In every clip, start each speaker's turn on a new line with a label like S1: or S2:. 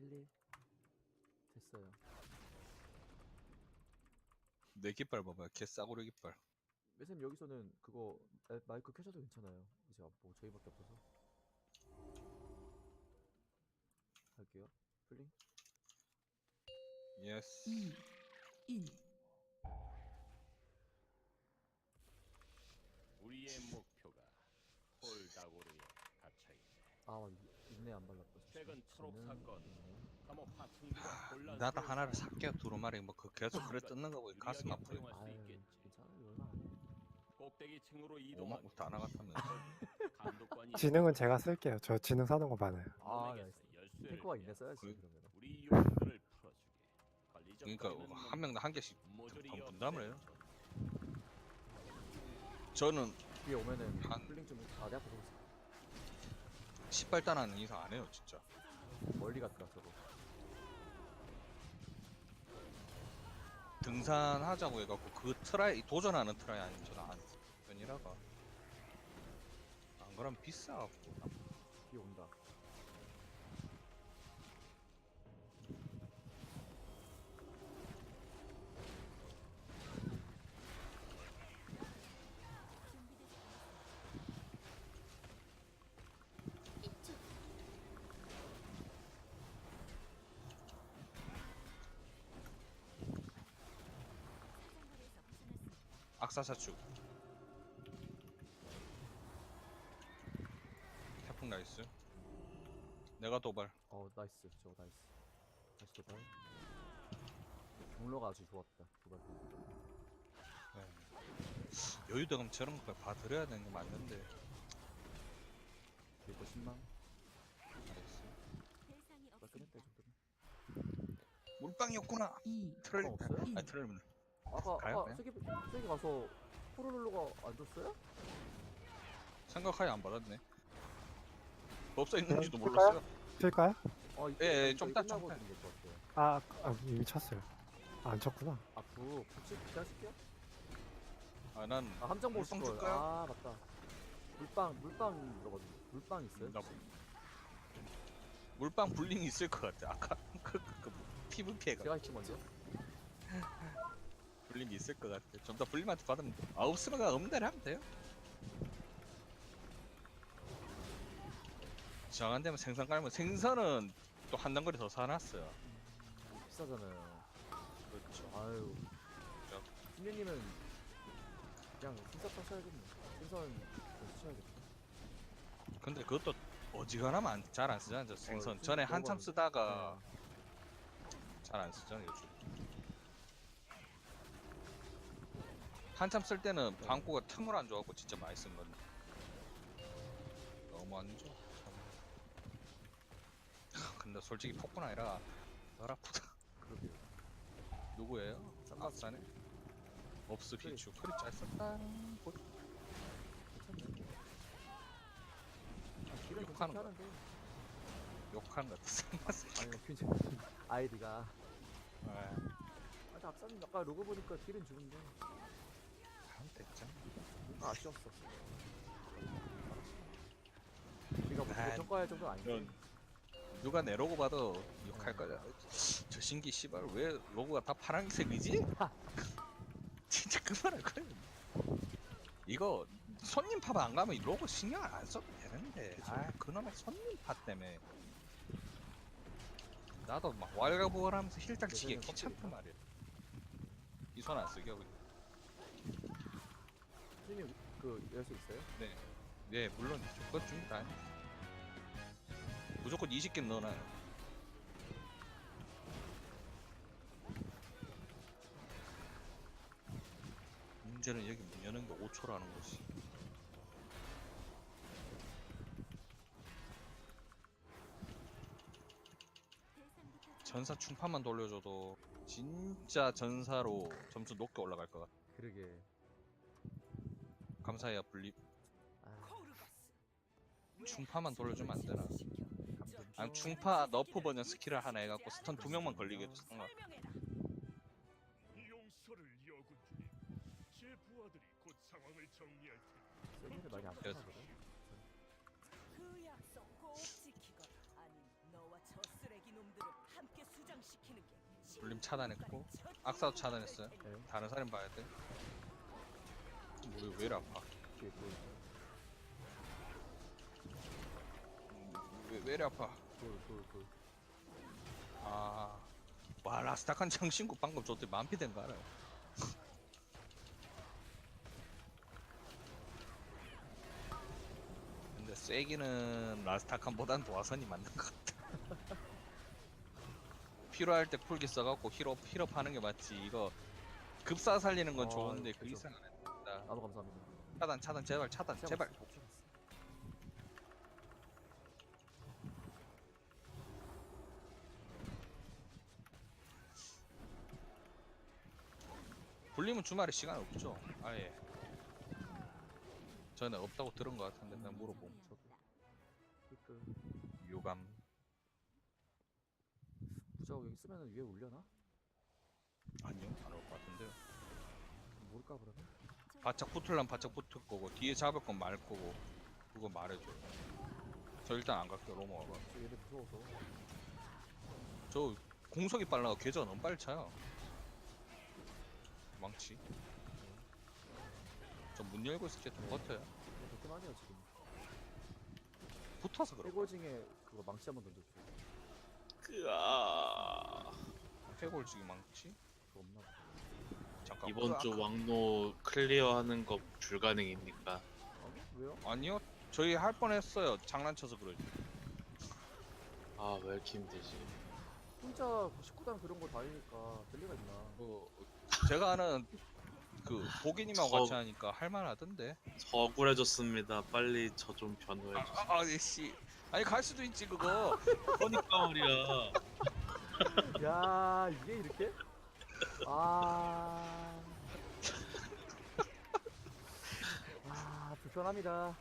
S1: 11 됐어요.
S2: 내 깃발 봐봐요. 개 싸구려 깃발.
S1: 매쌤 여기서는 그거 마이크 켜셔도 괜찮아요. 이제 뭐 저희밖에 없어서 할게요. 플링.
S2: 예스.
S3: 2, 1.
S4: 우리의 목표가 홀다고르에 갇혀있네.
S1: 아 인내 안 발랐다.
S4: 최근 초록
S1: 저는
S4: 사건.
S1: 인내.
S4: 감옥 하층부가 혼란스러운
S2: 나도 하나를
S4: 상황.
S2: 살게요. 두루마리 뭐 그 계속 그래 뜯는 거 보니 가슴
S4: 유리하게
S2: 아프네.
S4: 사용할 수
S1: 아유
S4: 있겠지.
S1: 괜찮아요. 얼마 안 해.
S4: 꼭대기 층으로 이동하기.
S2: 5만부터 안 나갔다면.
S4: 감독관이
S5: 지능은 제가 쓸게요. 저 지능 사는 거 많아요.
S1: 아
S4: 놈에게서
S1: 나이스.
S4: 열쇠를
S1: 탱커가
S4: 빼앗아
S1: 인내 써야지
S2: 그-
S1: 그러면.
S4: 우리 요원들을 풀어주게. 관리적
S2: 그러니까
S4: 거리는
S2: 한 명당 한 개씩
S4: 모조리
S2: 분담을 해요.
S4: 없애줘.
S2: 저는
S1: 뒤에 오면은
S2: 한-
S1: 플링 좀. 아 내가 보고 있어.
S2: 10발단 하는 이상 안 해요, 진짜.
S1: 멀리 갔다 저거.
S2: 등산하자고 해갖고 그 트라이 도전하는 트라이 아니면 저는 안 편이라가. 안 그러면 비싸갖고.
S1: 뒤에 온다.
S2: 악사사축. 태풍 나이스. 내가 도발.
S1: 나이스. 저거 나이스. 다시 도발. 경로가 아주 좋았다. 도발.
S2: 네. 여유대금 저런 거 봐드려야 되는 게 맞는데.
S1: 그리고 10만.
S2: 나이스.
S1: 깔끔했다 이 정도면.
S2: 물방이었구나.
S3: 2,
S2: 트롤.
S1: 없어요?
S2: 아니 트롤.
S1: 아까
S2: 가요, 그냥?
S1: 세게 가서 포르룰로가 안 줬어요?
S2: 생각하에 안 받았네. 없어 있는지도
S5: 네,
S2: 몰랐어요.
S5: 쓸까요?
S2: 좀
S1: 이따
S2: 좀
S1: 끝나고
S2: 딱.
S1: 드는 게 좋았어요.
S5: 이미 쳤어요. 안 쳤구나.
S1: 붙이 기다릴게요.
S2: 난
S1: 함정 보실
S2: 물빵
S1: 걸.
S2: 줄까요?
S1: 아 맞다. 물빵 들어가지고 물빵 있어요?
S2: 나 물방 불링이 있을 것 같아. 아까 PVP가
S1: 제가 할게 먼저.
S2: 불림이 있을 것 같아. 좀 더 불림한테 받으면 돼. 없으면 없는 대로 하면 돼요. 정한 되면 생선 깔면 생선은 또 한 단거리 더 사놨어요.
S1: 비싸잖아요.
S2: 그렇죠.
S1: 아유.
S2: 그렇죠.
S1: 신녀님은 그냥 생선 타셔야겠네. 생선 좀 쓰셔야겠다.
S2: 근데 그것도 어지간하면 잘 안 쓰잖아요. 저 생선 전에
S1: 너무
S2: 한참
S1: 많은데.
S2: 쓰다가 잘 안 쓰잖아요. 요즘. 한참 쓸 때는
S1: 네.
S2: 방구가 틈을 안 줘갖고 진짜 많이 쓴 건데 너무 안 줘. 참. 근데 솔직히 폭군 아니라 덜 아프다.
S1: 그러게요.
S2: 누구예요?
S1: 쌈밥.
S2: 앞산에? 업스 비추 크리 잘 썼다.
S1: 괜찮네. 길은
S2: 욕하는
S1: 괜찮게
S2: 거.
S1: 하는데.
S2: 욕하는 것 같아.
S1: 아니 퀸즈 아이디가.
S2: 아,
S1: 근데 앞사님 아까 로고 보니까 길은 좋은데
S2: 됐죠.
S1: 뭔가 아쉬웠어. 우리가 뭐
S2: 아,
S1: 평가할 정도는 아닌데.
S2: 이런 누가 내 로고 봐도 욕할 거야. 저 신기 씨발 왜 로고가 다 파란색이지? 진짜 그만할 거야. 이거 손님 팝 안 가면 이 로고 신경 안 써도 되는데. 아 그놈의 손님 팝 때문에 나도 막 왈가부월하면서 힐딱 치기
S1: 예전엔
S2: 귀찮단
S1: 컴퓨터인가?
S2: 말이야. 이 손 안 쓰게 하고.
S1: 선생님 그 열쇠 있어요?
S2: 네, 네 물론 그것 중에 다 무조건 20개 넣어놔요. 문제는 여기 문 여는 게 5초라는 거지. 전사 충판만 돌려줘도 진짜 전사로 점수 높게 올라갈 것 같아.
S1: 그러게.
S2: 감사해요 분립.
S1: 아,
S2: 충파만 돌려주면 안 되나?
S1: 감정.
S2: 아니 충파 너프 버전 스킬을 하나 해갖고 스턴 2명만 걸리게 해도 상관.
S6: 용서를 여군 중에 제 부하들이 곧 상황을 정리할 테니
S1: 세미를 많이 안
S2: 그래서-
S1: 타거든.
S7: 그 약속 꼭 지키거라. 아님 너와 저 쓰레기 놈들을
S2: 불림 차단했고 악사도 차단했어요.
S1: 네.
S2: 다른 사람 봐야 돼. 왜 이리 아파?
S1: 뒤에 돌.
S2: 왜 이리 아파?
S1: 돌.
S2: 아, 와 라스타칸 장신구 방금 저때 만피 된 거 알아요? 근데 쐐기는 라스타칸보단 도화선이 맞는 것 같아. 필요할 때 쿨기 써갖고 힐업 하는 게 맞지. 이거 급사 살리는 건
S1: 아,
S2: 좋은데 그
S1: 그죠.
S2: 이상 안 했다.
S1: 나도 감사합니다.
S2: 차단 제발 차단 제발.
S1: 못 참았어.
S2: 불리면 주말에 시간 없죠? 아예. 저는 없다고 들은 것 같은데 그냥 물어봄.
S1: 저도. 그
S2: 유감.
S1: 무적 여기 쓰면은 위에 올려나?
S2: 아니요 안 올 것 같은데요.
S1: 모를까 그러면?
S2: 바짝 붙을란 바짝 붙을 거고 뒤에 잡을 건 말 거고 그거 말해줘요. 저 일단 안 갈게요. 로모가.
S1: 저 얘네 무서워서.
S2: 저 공속이 빨라가 궤적 너무 빨리 차요. 망치. 저 문 열고 있을 때 좀 버텨요.
S1: 그렇게 하네요 지금.
S2: 붙어서 그래.
S1: 해골징에 그거 망치 한번 던져줘.
S2: 해골지기 망치?
S1: 그거 없나 보다.
S2: 잠깐.
S3: 이번 주 왕노 클리어하는 거 불가능입니까?
S1: 아니? 왜요?
S2: 아니요. 저희 할 뻔했어요. 장난쳐서 그러지.
S3: 아 왜 이렇게 힘들지?
S1: 혼자 19단 그런 거 다니니까 될 리가 있나?
S2: 제가 아는 그 보기님하고
S3: 저-
S2: 같이 하니까 할만하던데.
S3: 억울해졌습니다. 빨리 저 좀 변호해 주세요.
S2: 씨. 아니 갈 수도 있지 그거.
S3: 그러니까 말이야.
S1: 야 이게 이렇게? 불편합니다.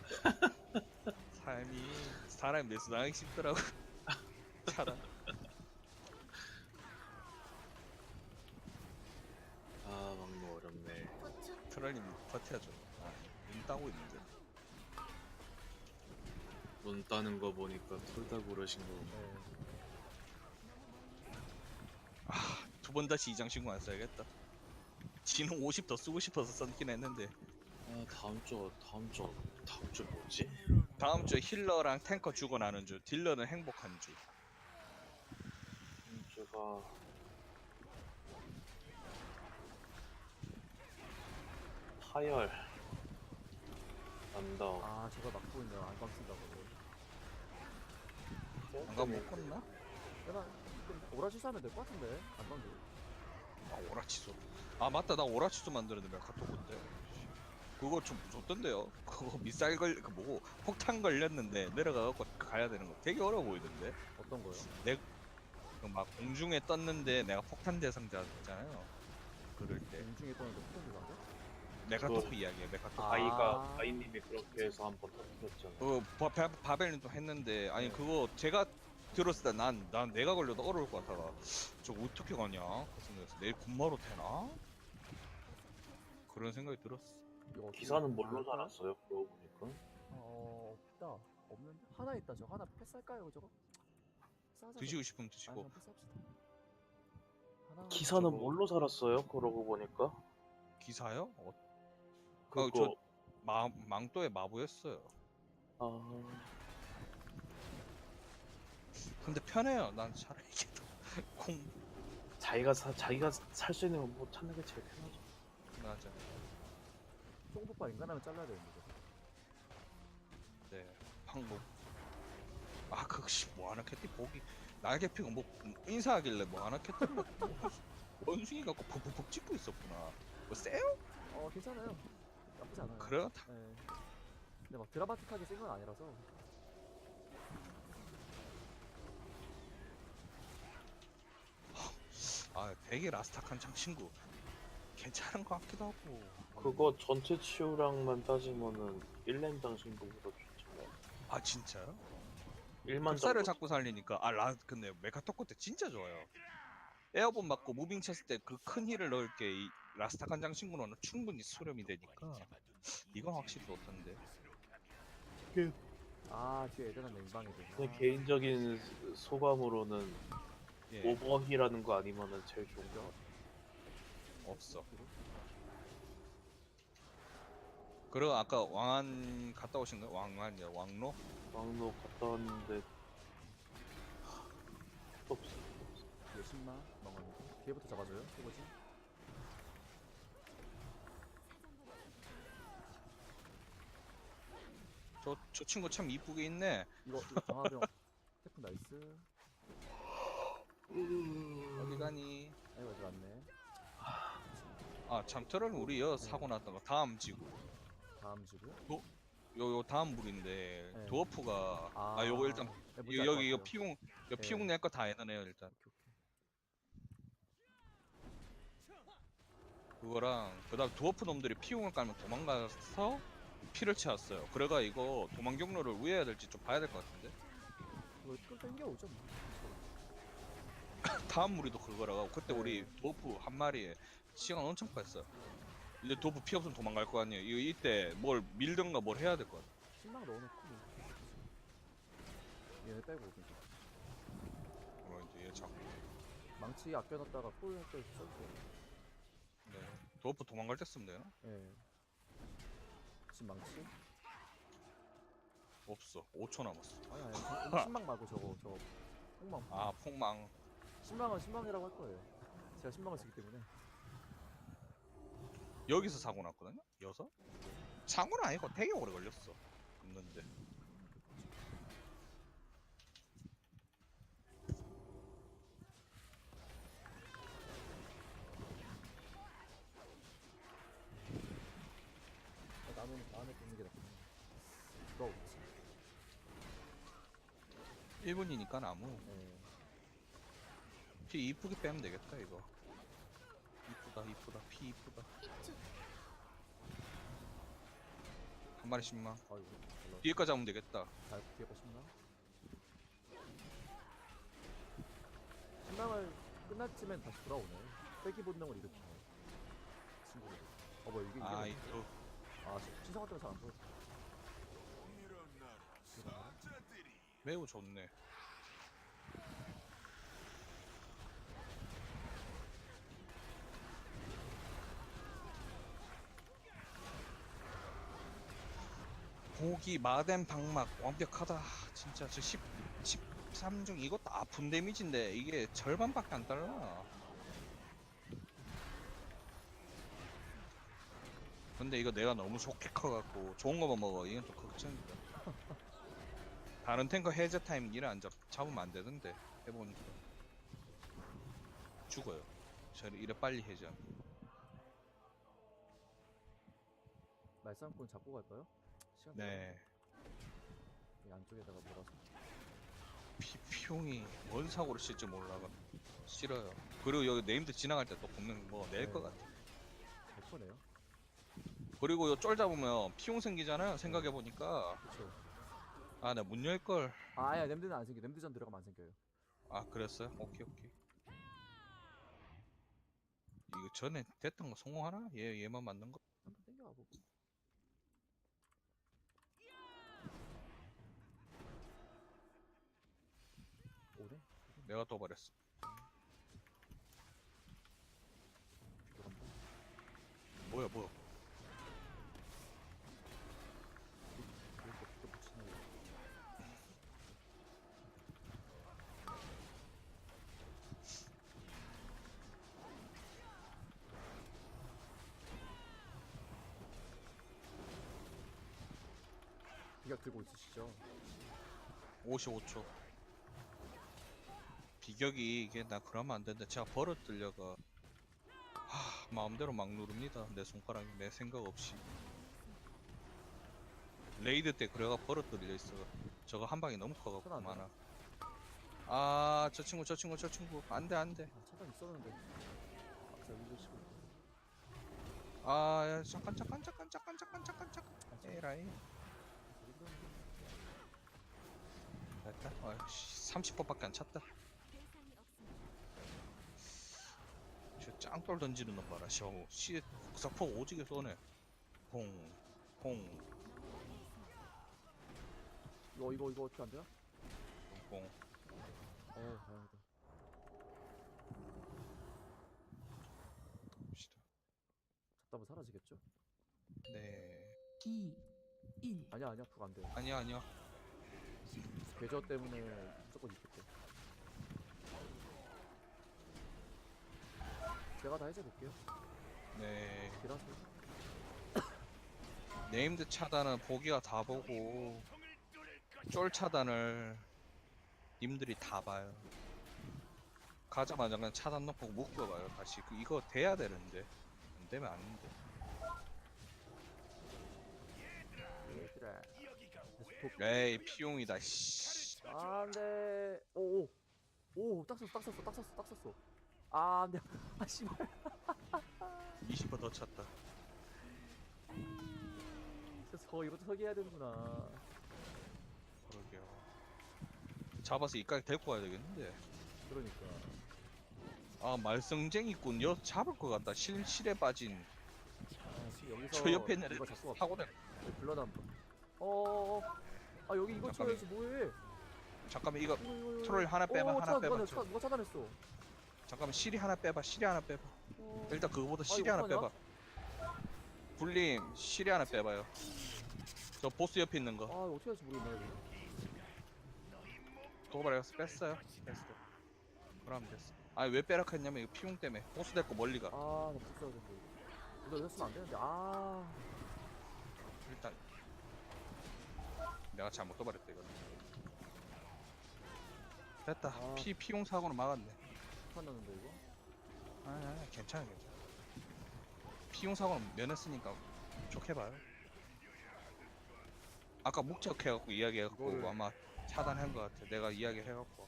S2: 사람이 매수당하기 쉽더라고. 차단.
S3: 아 왕노 어렵네.
S2: 트롤님 버텨줘. 눈 따고 있는데.
S3: 눈 따는 거 보니까 둘 다 고르신 거.
S1: 네.
S2: 두 번 다시 이장 신고 안 써야겠다. 지는 50 더 쓰고 싶어서 썼긴 했는데
S3: 아 다음 주 뭐지?
S2: 다음 주에 힐러랑 탱커 죽어나는 주, 딜러는 행복한 주.
S3: 다음 주가 파열 언덕.
S1: 저거 막고 있네요. 안방 쓴다고.
S2: 안가 못 껐나?
S1: 내가 오라지 사면 될 것 같은데 안방도.
S2: 오라치소. 맞다 나 오라치소 만드는데 메카토콘데. 그거 좀 무섭던데요. 그거 미사일 그 뭐고 폭탄 걸렸는데 내려가갖고 가야 되는 거 되게 어려워 보이던데.
S1: 어떤 거요?
S2: 막 공중에 떴는데 내가 폭탄 대상자잖아요. 그럴 때
S1: 공중에 떠는데 폭탄 들어간 거?
S2: 메카토프 이야기야. 메카토프.
S3: 아이님이 그렇게 해서 한번 터뜨렸잖아.
S2: 바벨님도 했는데 아니
S1: 네.
S2: 그거 제가 들었을 때 난 내가 걸려도 어려울 것 같아가 저거 어떻게 가냐 그 생각에서 내일 군마로 되나 그런 생각이 들었어.
S1: 이거 어떻게
S3: 기사는 뭘로
S1: 할까?
S3: 달았어요? 그러고 보니까.
S1: 없다. 없는데? 하나 있다. 저 하나 패스할까요 저거? 패스하자,
S2: 드시고
S1: 저거.
S2: 싶으면
S1: 아니,
S2: 드시고.
S1: 그냥 패스합시다. 하나
S3: 기사는
S2: 저거-
S3: 뭘로 살았어요? 그러고 보니까.
S2: 기사요?
S3: 그거
S2: 망토의 마부였어요.
S3: 아
S2: 근데 편해요. 난 차라리 이게 더 공
S3: 자기가 살 수 있는 거 뭐 찾는 게 제일 편하죠.
S2: 맞아.
S1: 쫑폭파 인간하면 잘라야 되는데 저거.
S2: 네 방법. 그씨 뭐 하나 캣티 보기 날개 피고 뭐 인사하길래 뭐 하나 캣티 원숭이 갖고 푹푹푹 찍고 있었구나. 뭐 세요?
S1: 괜찮아요. 나쁘지 않아요.
S2: 그래요?
S1: 네. 근데 막 드라마틱하게 쓴 건 아니라서.
S2: 되게 라스타칸 장 친구 괜찮은 것 같기도 하고.
S3: 그거 전체 치유량만 따지면은 1렘당 신분보다 좋잖아요.
S2: 진짜요?
S3: 1만
S2: 흡사를 자꾸 살리니까 근데 메카토코 때 진짜 좋아요. 에어본 맞고 무빙 쳤을 때 그 큰 힐을 넣을 게 이 라스타칸 장 친구는 충분히 수렴이 되니까 이건 확실히 좋던데.
S1: 뒤에 애들은 냉방이 돼.
S3: 제 개인적인 소감으로는
S2: 예,
S3: 오버힐하는 거 아니면은 제일 좋은 거.
S2: 없어. 그리고 아까 왕안 갔다 오신 거예요? 왕안이야, 왕로?
S3: 왕로 갔다 왔는데 없어.
S1: 뒤에 10만 먹었는데 뒤에부터 잡아줘요. 해보지.
S2: 저 친구 참 이쁘게 있네.
S1: 이거 장화병 태풍 나이스.
S2: 어디 가니?
S1: 아이고 아직 왔네.
S2: 아, 참, 트롤 우리 여 사고 났던 거 다음 지구.
S1: 다음 지구요?
S2: 요 다음 물인데
S1: 네.
S2: 도어프가
S1: 아,
S2: 요거 일단
S1: 네, 뭔지 알것
S2: 여기 이거
S1: 같아요.
S2: 피웅
S1: 네.
S2: 피웅 낼 거 다 해놔요 일단.
S1: 오케이, 오케이.
S2: 그거랑 그다음 도어프 놈들이 피웅을 깔면 도망가서 피를 채웠어요. 그래가 이거 도망 경로를 우회해야 될지 좀 봐야 될 것 같은데.
S1: 이거 끌 땡겨오죠 뭐.
S2: 다음 무리도 그거라고 그때
S1: 네.
S2: 우리 도어프 한 마리에 시간 엄청 빠졌어요. 이제 도어프 피 없으면 도망갈 거 아니에요. 이거 이때 뭘 밀든가 뭘 해야 될 것 같아.
S1: 10만 넣어놓고 뭐. 얘네 빼고 그냥.
S2: 이제 얘 자꾸
S1: 망치 아껴놨다가 폴할때 써주세요.
S2: 네. 도어프 도망갈 때 쓰면 되나?
S1: 예. 지금 망치?
S2: 없어. 5초 남았어.
S1: 아니 아니 신망 말고 저거 폭망.
S2: 아 폭망.
S1: 신망은 신망이라고 할 거예요. 제가 신망을 쓰기 때문에.
S2: 여기서 사고 났거든요? 여서? 사고는 아니고 되게 오래 걸렸어. 없는데.
S1: 나는 보는 게 낫구나. 너 없지?
S2: 1분이니까 나무.
S1: 예.
S2: 피 이쁘게 빼면 되겠다 이거. 이쁘다. 피 이쁘다. 한 마리 10만.
S1: 아이고. 별로.
S2: 뒤에까지 잡으면 되겠다.
S1: 잘 뒤에 거 신망. 신망을 끝났지만 다시 돌아오네. 빼기 본능을 일으키네. 친구들. 뭐야 이게
S2: 아
S1: 이게.
S2: 이거
S1: 신성한 때문에 잘안 보여.
S2: 매우 좋네. 고기 마덴 방막 완벽하다. 진짜 저 13중 이것도 아픈 데미지인데 이게 절반밖에 안 달라. 근데 이거 내가 너무 좋게 커갖고 좋은 거만 먹어. 이건 좀 걱정이다. 다른 탱커 해제 타임 일을 안 잡으면 안 되던데 해보니까 죽어요. 저 이래 빨리 해제하면.
S1: 말싸움꾼 잡고 갈까요? 시간
S2: 네.
S1: 이 안쪽에다가 몰아서.
S2: 피용이 뭔 사고를 칠지 몰라가 싫어요. 그리고 여기 네임드 지나갈 때 또 분명 뭐 낼 것
S1: 네.
S2: 같아.
S1: 잘 거네요.
S2: 그리고 요 쫄 잡으면 피용 생기잖아요. 생각해보니까
S1: 그쵸.
S2: 아 나 문 열걸.
S1: 아, 아니야, 냄드는 안 생겨. 냄드전 들어가면 안 생겨요.
S2: 아 그랬어요? 오케이. 이거 전에 됐던 거 성공하나? 얘만 만든 거?
S1: 한번 땡겨와 보고. 오네?
S2: 내가 도발했어.
S1: 들어간다.
S2: 뭐야
S1: 이렇게 또 붙이네. 비각 들고 있으시죠?
S2: 55초. 비격이 이게 나 그러면 안 되는데 제가 버릇 들려가 마음대로 막 누릅니다. 내 손가락이 내 생각 없이. 레이드 때 그래가 버릇 들려 있어. 저거 한 방이 너무 커갖고
S1: 손 안
S2: 많아. 아 저 친구 안돼
S1: 아, 차단 있었는데. 막상 밀리시고.
S2: 아 야, 잠깐 에라이 됐다. 아이씨 30번밖에 안 찼다. 저 짱돌 던지는 놈 봐라. 셔우 씨 국사포 오지게 쏘네. 퐁
S1: 이거 어떻게 안 돼요?
S2: 퐁.
S1: 다행이다. 사라지겠죠?
S2: 네.
S7: 2, 1.
S1: 아니야 그거 안 돼요.
S2: 아니야.
S1: 궤저 때문에 무조건 있겠대. 제가 다 해제볼게요.
S2: 네.
S1: 딜하세요.
S2: 네임드 차단은 보기가 다 보고 쫄 차단을 님들이 다 봐요. 가자마자 그냥 차단 놓고 묶어봐요. 다시 이거 돼야 되는데 안 되면 안 돼.
S1: 얘들아.
S2: 에이 피용이다. 씨.
S1: 안돼. 오오. 딱 썼어. 아 안돼. 아 씨발.
S2: 20번 더 찼다.
S1: 이것도 서기해야 되는구나.
S2: 그러게요. 잡아서 이까지 데리고 가야 되겠는데.
S1: 그러니까.
S2: 아 말썽쟁이꾼 여 잡을 것 같다. 실에 빠진
S1: 아, 지금 여기서
S2: 저 옆에 있는
S1: 이거
S2: 애들
S1: 자꾸
S2: 타고 내.
S1: 불러다 한번. 아 여기 이거
S2: 잠깐만.
S1: 쳐야지 뭐해?
S2: 잠깐만 이거
S1: 이거.
S2: 트롤 하나 빼봐. 하나 빼봐.
S1: 누가 차단했어?
S2: 잠깐만 실이 하나 빼봐. 실이 하나 빼봐. 일단 그거보다 실이
S1: 이거
S2: 하나
S1: 어떡하냐?
S2: 빼봐. 불림 실이 하나 빼봐요. 저 보스 옆에 있는
S1: 아
S2: 거
S1: 이거 어떻게 할지 모르겠네 이거.
S2: 도발해서 뺐어요. 뺐어. 그럼 됐어. 아니 왜 빼라 했냐면 이거 피용 때문에 보스 데리고 멀리 가.
S1: 아나 붙어야 되는데. 이거 이랬으면 안 되는데. 아.
S2: 일단 내가 잘못 도발했다 이거. 됐다.
S1: 아.
S2: 피용 사고는 막았네.
S1: 판났는데 이거.
S2: 아니 괜찮아. 피용 사고는 면했으니까 좋게 봐요. 아까 목적해갖고 이야기해갖고
S1: 이거를-
S2: 아마 차단한 것 같아. 내가 이야기해갖고.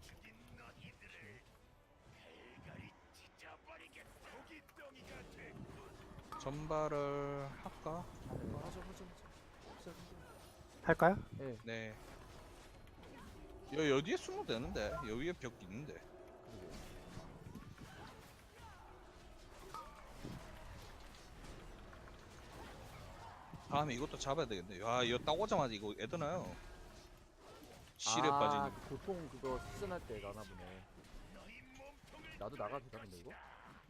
S2: 전발을 할까?
S1: 하자.
S5: 할까요?
S1: 예.
S2: 네. 여기에 숨어도 되는데 여기에 벽 있는데.
S1: 그러게.
S2: 다음에 이것도 잡아야 되겠네. 야 이거 딱 오자마자 이거 애드나요. 실에 빠지니.
S1: 보통 그거 시즌할 때 나나 보네. 나도 나가도 되는데 이거?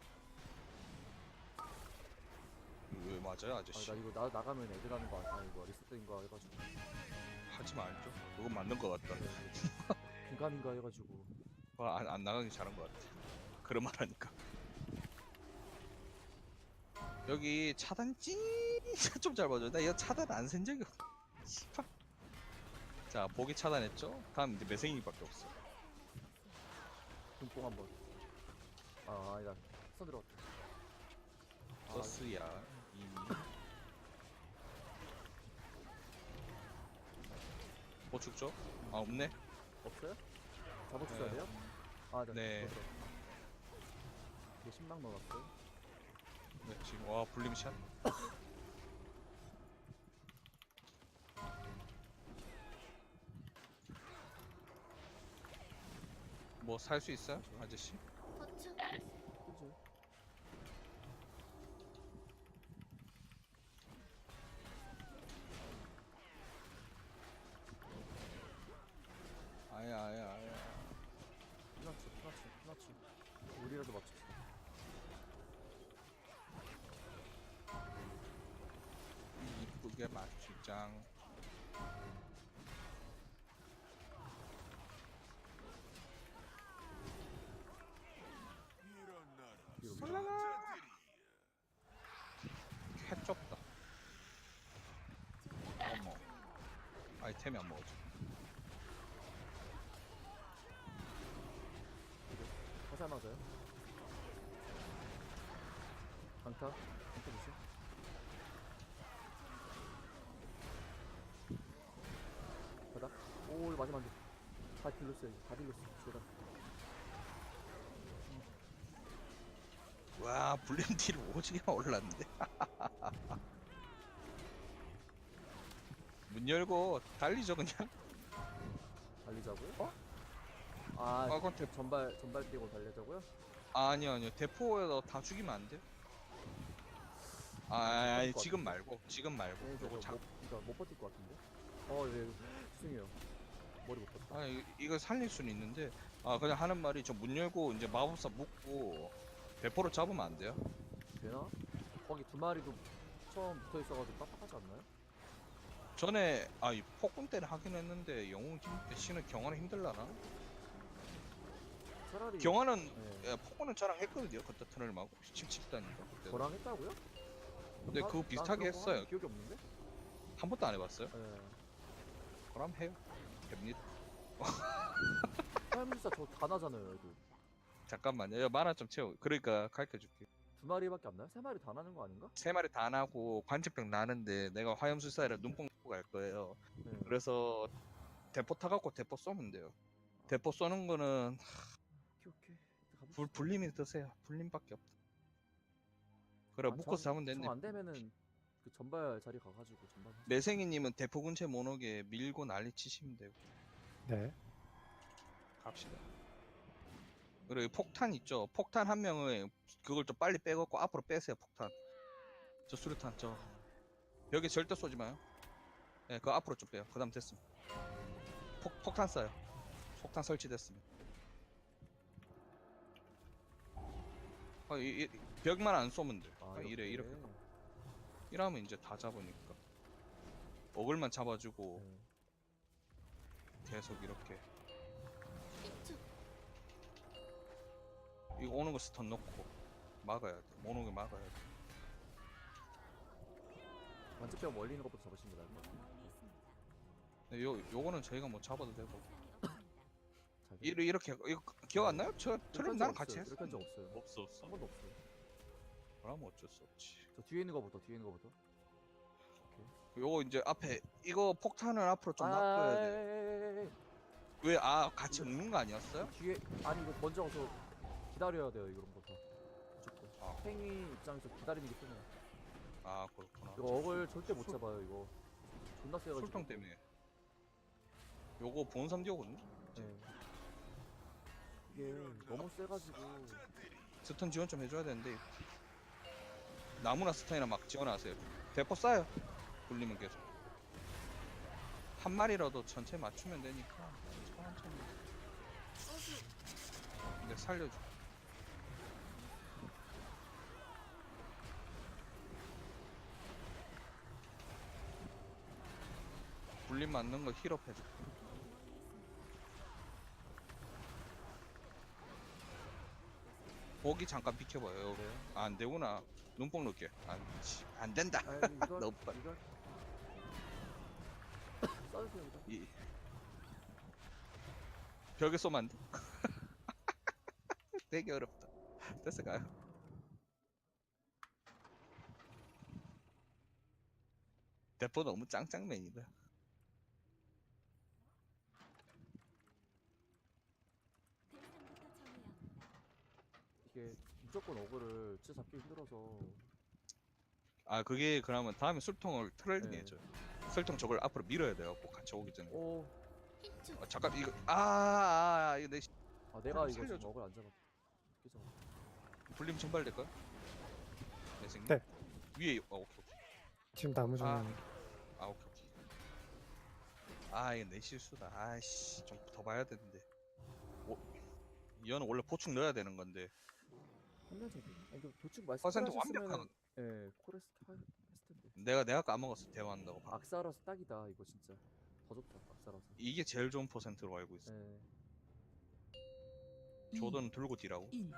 S2: 왜 맞아요 아저씨?
S1: 나 이거 나가면 애들 하는 거 아니야? 이거 리셋된 거 해가지고.
S2: 하지 말죠. 그건 맞는 것 같다.
S1: 긴가민가 해가지고.
S2: 안 나가기 잘한 것 같아. 그런 말 하니까. 여기 차단 진짜 좀 잘 봐줘. 나 이거 차단 안 센 적이 없어. 씨발. 자, 보기 차단했죠? 다음 이제 매생이밖에 없어.
S1: 눈뽕 한번. 아니다. 손 들어갔다.
S2: 서스야 이미. 보축죠? 아 없네.
S1: 없어요? 잡아주셔야 돼요?
S2: 네.
S1: 이게 10만 넣어놨어요.
S2: 네, 지금 와 불림샷. 뭐 살 수 있어요, 아저씨?
S1: 그치?
S2: 아야.
S1: 피나치. 우리라도 맞춥시다.
S2: 이쁘게 맞추장. 캣 좁다. 어머. 아이템이 안 먹어져.
S1: 화살 맞아요? 강타 조심. 바닥. 오 마지막에 다 딜렀어요. 다 딜렀어. 제가.
S2: 와 블렌딜 오지게 올랐는데. 문 열고 달리죠 그냥.
S1: 달리자고요?
S2: 어?
S1: 아,
S2: 그건
S1: 전발 뛰고 달리자고요?
S2: 아니요 대포에서 다 죽이면 안 돼. 아니
S1: 것
S2: 지금 말고
S1: 네,
S2: 요거
S1: 그러니까 못 버틸 것 같은데? 예, 죄송해요. 머리 못 봤다.
S2: 이거 살릴 수는 있는데 그냥 하는 말이 저 문 열고 이제 마법사 묶고 대포로 잡으면 안 돼요?
S1: 되나? 거기 두 마리도 처음 붙어 있어가지고 빡빡하지 않나요?
S2: 전에 이 폭군 때는 하긴 했는데 영웅 씨는 경화는 힘들라나?
S1: 차라리
S2: 경화는
S1: 네.
S2: 폭군은 저랑 했거든요. 그때 터널 막 칩다니까 그때.
S1: 저랑 했다고요?
S2: 근데
S1: 나-
S2: 그거
S1: 난
S2: 비슷하게
S1: 그런 거
S2: 했어요.
S1: 한 기억이 없는데?
S2: 한 번도 안 해봤어요?
S1: 네.
S2: 그럼 해요. 됩니다.
S1: 화염술사 저 다 나잖아요 애들.
S2: 잠깐만요. 야, 만화 좀 채워. 그러니까 가르쳐줄게.
S1: 두 마리밖에 안 나요? 세 마리 다 나는 거 아닌가?
S2: 세 마리 다 나고 관측병 나는데 내가 화염술사라 눈뽕 놓고 갈 거예요.
S1: 네.
S2: 그래서 대포 타갖고 대포 쏘면 돼요. 대포 쏘는 거는
S1: 오케이. 가봅시다.
S2: 불림이 뜨세요. 불림밖에 없다. 그래 묶어서 잡으면 됐네.
S1: 안 되면은 그 전발 자리 가가지고 전발.
S2: 매생이님은 대포 근처에 못 오게 밀고 난리 치시면 되고
S5: 네.
S2: 갑시다. 그리고 폭탄 있죠. 폭탄 한 명을 그걸 좀 빨리 빼갖고 앞으로 빼세요. 폭탄. 저 수류탄 저 여기 절대 쏘지 마요. 네, 그거 앞으로 좀 빼요. 그다음 됐습니다. 폭탄 쏴요. 폭탄 설치됐습니다. 벽만 안 쏘면 돼. 이렇게. 이러면 이제 다 잡으니까. 어글만 잡아주고
S1: 네.
S2: 계속 이렇게. 이거 오는 거 스턴 넣고 막아야 돼. 못 오게 막아야 돼.
S1: 완전병 멀리 있는 것부터 잡으시는 게 나을 것 같아요.
S2: 근데 요거는 저희가 뭐 잡아도 되고.
S1: 잘
S2: 이렇게 이거 기억 안 나요? 저 트럼 나랑 같이 했어.
S1: 이렇게 한 적 없어요.
S2: 없어.
S1: 한 번도 없어요.
S2: 그러면 어쩔 수 없지.
S1: 저 뒤에 있는 거부터 뒤에 있는 거부터.
S2: 요거 이제 앞에 이거 폭탄을 앞으로 좀 놔둬야 돼. 왜 같이 먹는 거 아니었어요?
S1: 뒤에 아니 이거 먼저 가서 기다려야 돼요 이런 거 다. 무조건.
S2: 아.
S1: 팽이 입장에서 기다리는 게 편해요.
S2: 그렇구나.
S1: 이거 어글 절대 못 잡아요 이거. 존나 세가지고.
S2: 술통 때문에. 요거 본섬 띄오거든요.
S1: 네. 이게 너무 세가지고.
S2: 스턴 지원 좀 해줘야 되는데 나무나 스턴이나 막 지원하세요. 대포 쏴요. 굴리면 계속 한 마리라도 전체 맞추면 되니까 천천히. 근데 살려줘. 굴림 맞는 거 힐업 해줘. 거기 잠깐 비켜봐요.
S1: 네.
S2: 안 되구나. 눈뽕 넣게. 안 된다.
S1: 아 이거
S2: 너무 빨리.
S1: 이거 써주세요 이거.
S2: 벽에 쏘면 안 돼. 되게 어렵다. 됐어 가요. 대포 너무 짱짱맨이다.
S1: 이게 무조건 어글을 진짜 잡기 힘들어서.
S2: 그게 그러면 다음에 술통을 트롤링
S1: 네.
S2: 해줘요. 술통 저걸 앞으로 밀어야 돼요. 꼭 같이 오기 전에.
S1: 오.
S2: 잠깐 이거 이거 내
S1: 내가 이거
S2: 살려줘.
S1: 지금 어글 안 잡아. 어떻게 잡아?
S2: 불림 전발될까요? 내 생각.
S5: 네.
S2: 위에 오케이.
S5: 지금 나무 중에
S2: 오케이. 이거 내 실수다. 아이씨 좀 더 봐야 되는데. 이거는 원래 보충 넣어야 되는 건데.
S1: 한명 잡기. 아니 이거 도축 말씀.
S2: 퍼센트 완벽한.
S1: 예, 코레스 했을 텐데.
S2: 내가 까먹었어. 대화한다고.
S1: 악사라서 딱이다 이거 진짜. 더 좋다 악사라서.
S2: 이게 제일 좋은 퍼센트로 알고 있어.
S1: 예.
S2: 조던 들고 뒤라고.
S7: 1.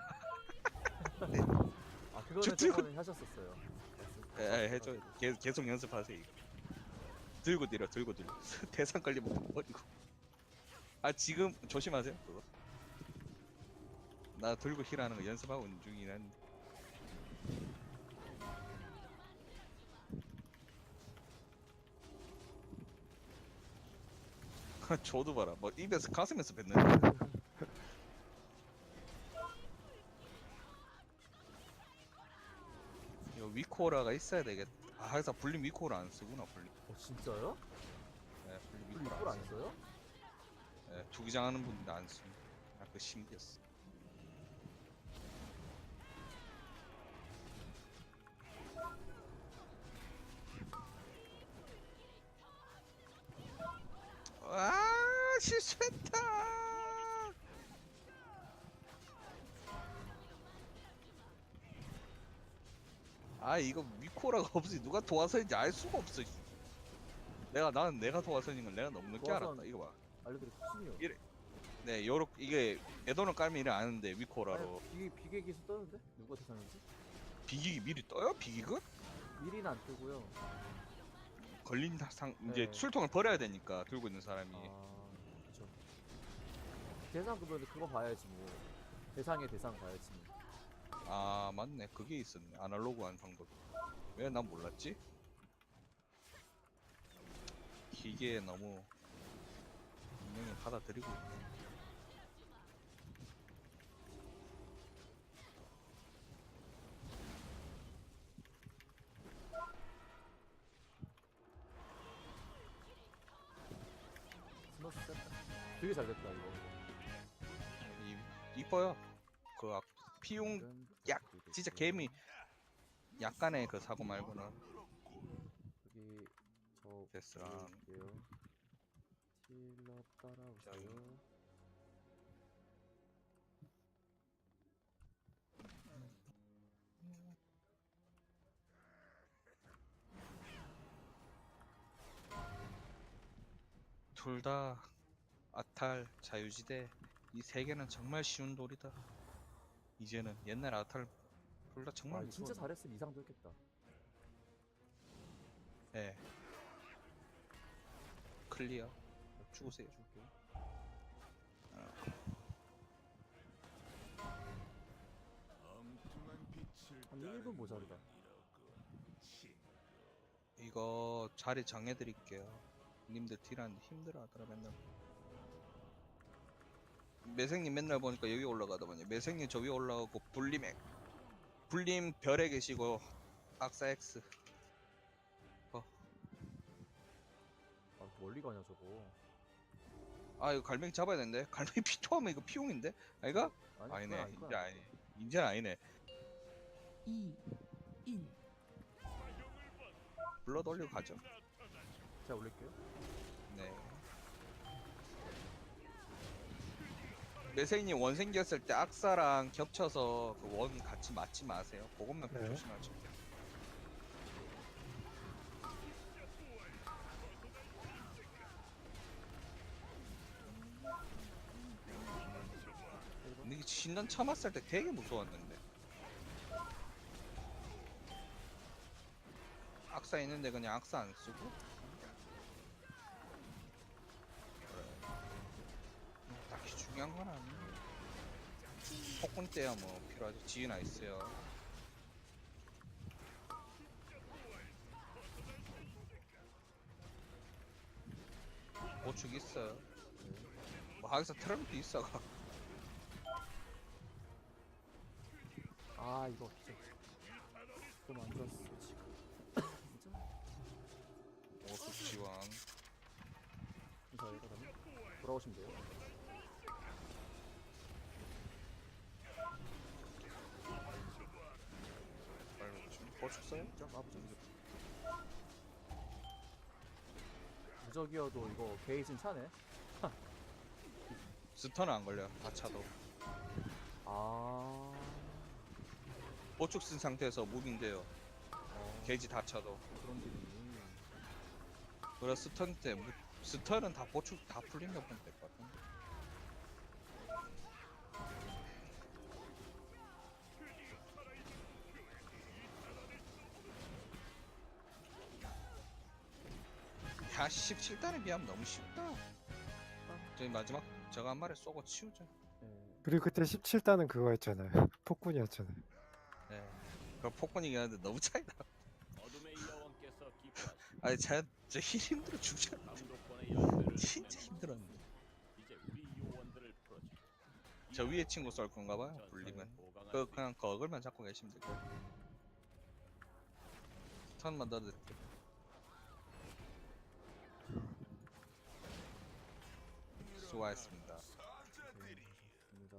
S1: 그거는
S2: 들고-
S1: 저번에 하셨었어요.
S2: 해줘. 계속 연습하세요. 이거. 들고 뒤로. 대상 걸리면 못 버리고. 지금 조심하세요. 그거. 나 들고 힐하는 거 연습하고 있는 중이긴 한데. 조도 봐라. 뭐 입에서 가슴에서 뱉는. 이거 위코라가 있어야 되겠다. 항상 불림 위코라 안 쓰구나 불림.
S1: 진짜요?
S2: 네, 불림
S1: 이걸
S2: 위코라
S1: 안 써요?
S2: 네, 투기장 하는 분들 안 쓰. 그 신기했어. 실수했다. 아 이거 미코라가 없으니 누가 도화선인지 알 수가 없어. 나는 내가 도화선인 걸 내가 너무 늦게
S1: 도화선.
S2: 알았다. 이거 봐.
S1: 알려드릴게요. 순이요.
S2: 이래. 네, 요렇게 이게 에도는 깔면 이래 아는데 미코라로
S1: 비계 기수 떠는데? 누가 대상인지?
S2: 비기기 미리 떠요? 비기근?
S1: 미리는 안 뜨고요.
S2: 걸린 상 이제
S1: 네.
S2: 술통을 버려야 되니까 들고 있는 사람이.
S1: 아, 그쵸. 대상 그러면 그거 봐야지 뭐. 대상의 대상 봐야지 뭐.
S2: 아 맞네, 그게 있었네. 아날로그한 방법. 왜 난 몰랐지? 기계에 너무 분명히 받아들이고 있네.
S1: 스머스 셌다. 되게 잘 됐다 이거.
S2: 이뻐요. 그 피용
S1: 이건
S2: 약
S1: 그리고
S2: 진짜
S1: 있고요.
S2: 개미 약간의 그 사고 말고는
S1: 여기 저
S2: 데스랑
S1: 볼게요. 틸러 따라오세요.
S2: 둘 다 아탈 자유지대 이 세 개는 정말 쉬운 돌이다. 이제는 옛날 아탈 둘 다 정말
S1: 아, 진짜
S2: 무서워.
S1: 잘했으면 이상도 했겠다.
S2: 예. 클리어. 죽으세요.
S1: 줄게요. 한 1분 모자르다.
S2: 이거 자리 정해드릴게요. 님들 딜하는데 힘들어하더라 맨날. 매생님 맨날 보니까 여기 올라가더만요. 매생님 저 위에 올라가고 불림 별에 계시고 악사 X.
S1: 아, 멀리 가냐 저거.
S2: 아 이거 갈매기 잡아야 되는데. 갈매기 피토하면 이거 피용인데? 아이가?
S1: 아니,
S2: 아니네.
S1: 그건 아닐
S2: 이제
S1: 거야.
S2: 아니. 이제는 아니네.
S7: 2, 1.
S2: 블러드 올리고 가죠.
S1: 제가 올릴게요.
S2: 네. 매생님 원 생겼을 때 악사랑 겹쳐서 그 원 같이 맞지 마세요. 그것만
S5: 네.
S2: 조심하죠. 근데 이게 신전 처음 왔을 때 되게 무서웠는데. 악사 있는데 그냥 악사 안 쓰고. 딱히 중요한 건 아니에요. 폭군 때야 뭐 필요하죠. 지휘나 있어요. 보축 있어요. 뭐 하기서 트럼프 있어가.
S1: 아, 이거 진짜 좀 안 좋았어 지금. 진짜.
S2: 보축 지원.
S1: 감사해요. 그러면 돌아오시면 돼요.
S2: 빨리 오시면 보축 써요?
S1: 진짜 아부죠. 무적이어도 이거 게이진 차네.
S2: 스턴은 안 걸려요. 다 차도.
S1: 아.
S2: 보축 쓴 상태에서 무빙돼요. 게이지 다 차도.
S1: 그런 기분이.
S2: 그래 스턴 때 스턴은 다 보축 다 풀린 거 보면 될 것 같은데. 야 17단에 비하면 너무 쉽다. 저희 마지막 저거 한 마리 쏘고 치우자.
S1: 예.
S5: 그리고 그때 17단은 그거였잖아요. 폭군이었잖아요.
S2: 네. 그럼 폭군이긴 한데 너무 차이나.
S4: 어둠의 여왕께서 기뻐하시고
S2: 아니 저 힐 힘들어 죽잖아.
S4: 감독관의 열쇠를
S2: 진짜
S4: 보내놓으시오.
S2: 힘들었는데.
S4: 이제 우리 요원들을 풀어주게.
S2: 저 위에 친구 쏠 건가 봐요. 불리면. 그냥 거글만 잡고 계시면 될 거예요. 턴만 넣어드릴게요. 수고하셨습니다.
S1: 입니다.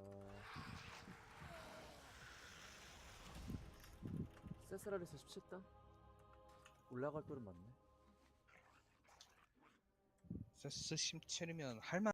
S1: 세스라리스 17단? 올라갈 돌은 맞네.
S2: 세스 17이면 할만.